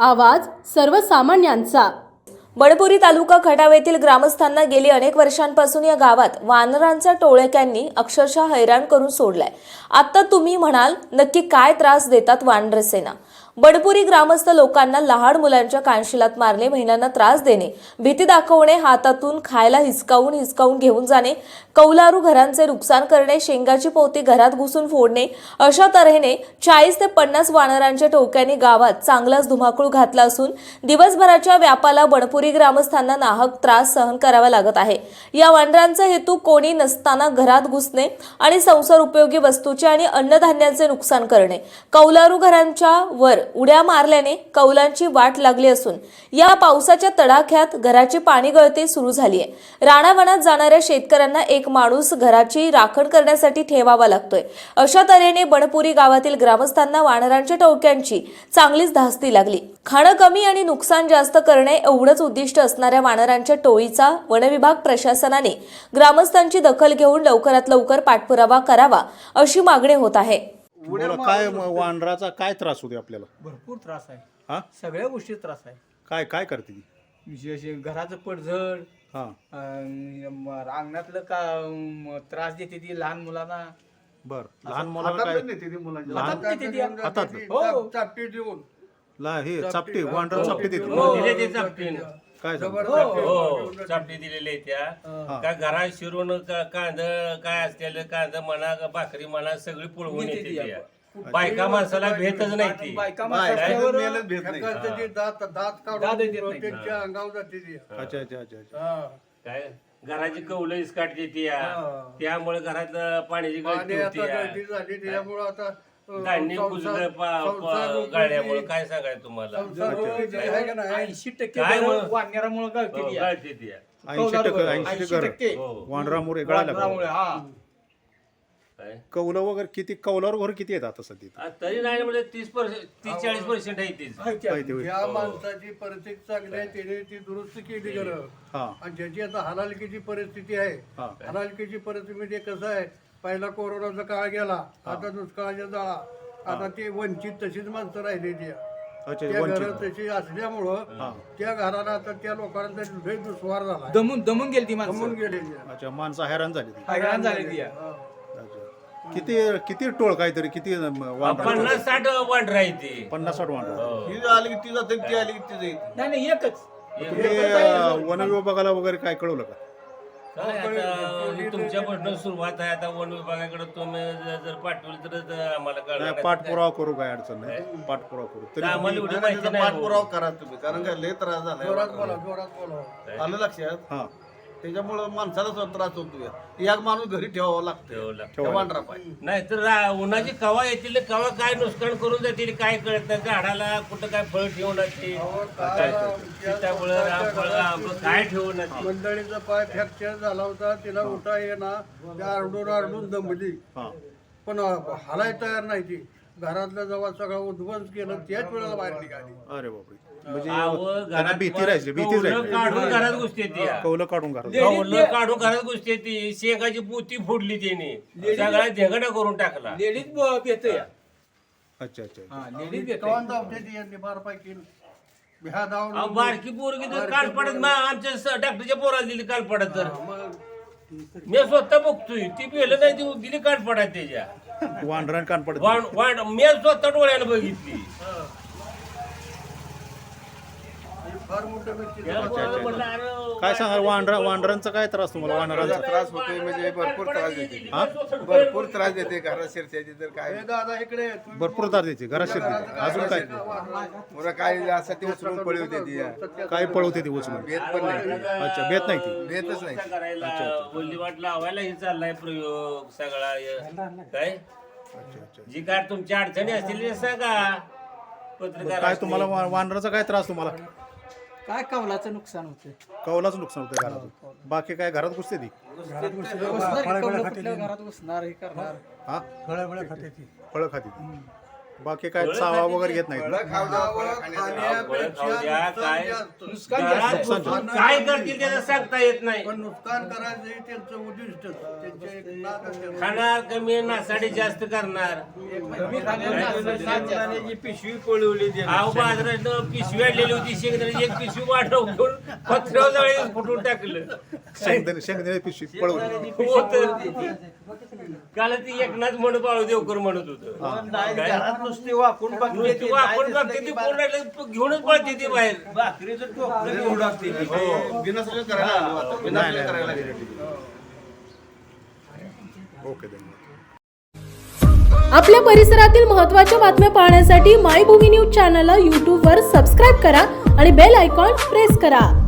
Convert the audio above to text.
आवाज सर्वसामान्यांचा। बडपुरी तालुका खटाव येथील ग्रामस्थांना गेली अनेक वर्षांपासून या गावात वानरांच्या टोळक्यांनी अक्षरशः हैराण करून सोडलाय। आता तुम्ही म्हणाल नक्की काय त्रास देतात वानरसेना? बडपुरी ग्रामस्थ लोकांना लहान मुलांच्या कानशिलात मारणे, महिलांना त्रास देणे, भीती दाखवणे, हातातून खायला हिसकावून घेऊन जाणे, कौलारू घरांचे नुकसान करणे, शेंगाची पोती घरात घुसून फोडणे, अशा तऱ्हेने 40 ते 50 वानरांच्या टोळक्यांनी गावात चांगलाच धुमाकूळ घातला असून दिवसभराच्या व्यापाला बडपुरी ग्रामस्थांना नाहक त्रास सहन करावा लागत आहे। या वानरांचा हेतू कोणी नसताना घरात घुसणे आणि संसार उपयोगी वस्तूचे आणि अन्नधान्याचे नुकसान करणे, कौलारू घरांच्या वर उड्या मारल्याने कौलांची वाट लागली असून या पावसाच्या तडाख्यात घराची पाणी गळती सुरू झाली आहे। राणावनात जाणाऱ्या शेतकऱ्यांना एक माणूस घराची राखण करण्यासाठी ठेवावा लागतोय। अशा तऱ्हेने बडपुरी गावातील ग्रामस्थांना वानरांच्या टोळक्यांची चांगलीच धास्ती लागली। खाणं कमी आणि नुकसान जास्त करणे एवढंच उद्दिष्ट असणाऱ्या वानरांच्या टोळीचा वनविभाग प्रशासनाने ग्रामस्थांची दखल घेऊन लवकरात लवकर पाठपुरावा करावा अशी मागणी होत आहे। बोला, काय वानराचा काय त्रास होते आपल्याला? भरपूर त्रास आहे। हा, सगळ्या गोष्टी त्रास आहे। काय काय करते ती? विशेष घराचं पडझड, हा, अंगणातलं का त्रास देते ती लहान मुलांना। बर, लहान मुलाला काय? हातात देते ती. हातात हो. हे चापटी वानरा चापटी देते? दिले ते चापटीनं. काय सांगता? हो चापटी दिलेले त्या काय घरात शिरून कांद काय असलेलं कांद म्हणा भाकरी म्हणा सगळी पुळवून येते त्या. बायका माणसाला भेटच नाही ती. बायका माणसावर अच्छा अच्छा अच्छा अच्छा. काय घराची कौलं इसकाटते ती त्यामुळे घरात पाण्याची गळती होती धान्य कुजलं गाळण्यामुळे काय सांगायचं तुम्हाला 80% काय मग? वानरामुळे गळते ती. गळते ती 80% वानरामुळे गळायला वानरामुळे, हा. काय कौलं वगैरे किती, कौलावर वगैरे किती आहेत आता सध्या? तरी नाही म्हणजे 30-40% आहे तीच. या माणसाची परिस्थिती चांगली आहे, त्याने ती दुरुस्त केली गरज. हा, आणि ज्याची आता हलालकीची परिस्थिती आहे, हा. हलालकीची परिस्थिती म्हणजे कसं आहे, पहिला कोरोनाचा काळ गेला, आता दुष्काळाच्या जाळा, आता ती वंचित तशीच माणसं राहिलेली आहे. अच्छा, त्या वंचित. घरात तशी असल्यामुळं त्या घराला आता त्या लोकांचा लय दुस्वार झाला, दमून गेली ती माणसं, जमून गेलेली आहे. अच्छा, माणसं हैराण झाली ती. हैराण झाली ती. हा. अच्छा, किती किती टोळ काहीतरी किती वानर? 50-60 वांढर आहे ती. 50-60 वानर. ही आली की ती जाते, ती आली की ती जाईल. नाही एकच. तुम्ही वन विभागाला वगैरे काय कळवलं का? काय आता तुमच्यापासून सुरुवात आहे, आता वन विभागाकडे तुम्ही जर पाठवलं तर आम्हाला नाही, कळणार. पाठपुरावा करू, काय अडचण नाही, पाठपुरावा करू. तरी आम्हाला एवढी माहिती नाही हो. पाठपुरावा करा तुम्ही, कारण काय लय त्रास जोरात झाला बोला, जोरात बोला. आलं लक्षात. हा, त्याच्यामुळं माणसाला सुद्धा त्रास होतो. एक माणूस घरी ठेवावा लागतो, ठेवावं लागतं. त्या वांडरा पाहिजे. नाही तर उन्हाची कवा येतील, कवा काय नुकसान करून जातील काय कळत नाही. झाडाला कुठं काय फळ ठेवून सीताफळ रामफळ आंबं काय ठेवून मंडळीचा पाय फ्रॅक्चर झाला होता, तिला उठा येणार, त्या आरडून दमली, हा. पण हलाय तयार नाही ती. घरातलं जेव्हा सगळं उद्ध्वंस केलं त्याच वेळेला बाहेर निघाली. अरे बापरे, म्हणजे त्यांना भीती राहायची, भीतीच राहायची. काढून घरात घुसते ती कौलं काढून घरात. कौलं काढून घरात घुसते ती. शेकाची पोती फोडली त्याने, सगळा धेगडा करून टाकला. लेडीज येते. अच्छा अच्छा. लेडीज येते. कवान धावते ती यांनी बारपाई ह्या धावून बारकी पोरगी तर काल पडत आमच्या डॉक्टरच्या पोराला दिली काल पडत. तर मग मी स्वतः बघतोय ती पेलं नाही ती दिली काल पडत त्याच्या वांढरान कान पडत. मी स्वतः डोळ्यानं बघितली. फार मोठं व्यक्ती काय सांगा, वांढरांचा काय त्रास तुम्हाला? वानरांचा त्रास होतोय म्हणजे भरपूर त्रास देते, भरपूर त्रास देते. घरात शिरत्याची तर काय दादा इकडे भरपूर त्रास द्यायचे, घरात शिरते. अजून काय मुलं काय असं ते उचलून पळवते ती. काय पळवते ती उचलून? भेट पण नाही, अच्छा, भेट नाही ती. भेटच नाही. करायला वल्लीवाट लावायला हे चाललाय प्रयोग सगळा काय. अच्छा अच्छा. जी काय तुमच्या अडचणी असतील ते सांगा पत्रकार. काय तुम्हाला वानराचा काय त्रास तुम्हाला? काय कवलाचं नुकसान होतं. कौलाचं नुकसान होतं घराचं. बाकी काय घरात घुसते ती? घरात घुसणार हे करणार. हा, फळं खाते ती. बाकी काय चावा वगैरे घेत नाहीत ना? काय करतील त्याचं सांगता येत नाही. पण नुकसान करायचं हे त्यांचं उद्दिष्ट त्यांचे एक नादच आहे. खाणार कमी नासाडी जास्त करणार. पिशवी पळवली अहो बाजारात पिशवी आणलेली होती शेंगदाण्याची एक पिशवी वाटव घेऊन पत्र्यावर जाळी फुटून टाकलं. शेंगदाणे पिशवी पळवली. काल ती एकनाथ म्हणून बाळू देवकर म्हणत होतं. घरात नुसती वाकून नुसती वापरून बघते ती पूर्ण घेऊनच पळते ती बाहेर. भाकरीचं टोपलं घेऊन टाकते ती. बिनसलं करायला आलो आता. बिनसलं करायला लागले. ओके धन्यवाद. आपल्या परिसरातील महत्त्वाच्या बातम्या पाहण्यासाठी मायभूमी न्यूज चॅनलला यूट्यूबवर सबस्क्राईब करा आणि बेल आयकॉन प्रेस करा.